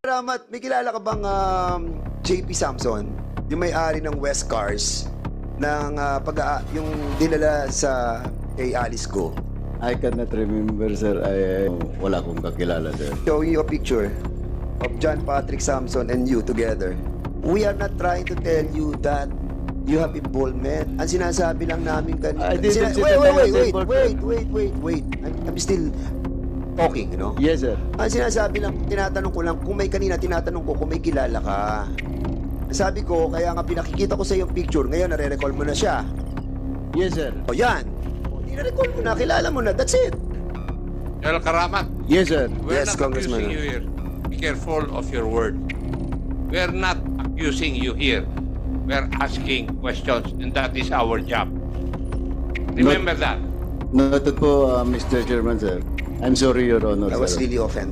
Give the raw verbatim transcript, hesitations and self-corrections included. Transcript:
Ramat, may kilala ka bang um, J P Samson? Yung may-ari ng West Cars ng uh, pag yung dinala sa kay Alice Go. I cannot remember, sir. I, wala akong kakilala, sir. Show you a picture of John Patrick Samson and you together. We are not trying to tell you that you have involvement. Ang sinasabi lang namin kanina. I didn't Sina- say wait, that wait, I was wait, wait, involved. wait, wait, wait, wait. I'm, I'm still talking, you know? Yes, sir. Ang sinasabi lang, tinatanong ko lang, kung may kanina, tinatanong ko kung may kilala ka. Sabi ko, kaya nga pinakikita ko sa yung picture, ngayon nare-recall mo na siya. Yes, sir. O yan. O, nire-recall mo na, kilala mo na, that's it. General Karamat, Yes, sir. we're Yes, not Congressman. accusing you here. Be careful of your word. We're not accusing you here. We're asking questions, and that is our job. Remember that. Noted po, uh, Mister Chairman, sir. I'm sorry, Your Honor, I was sir. really offended.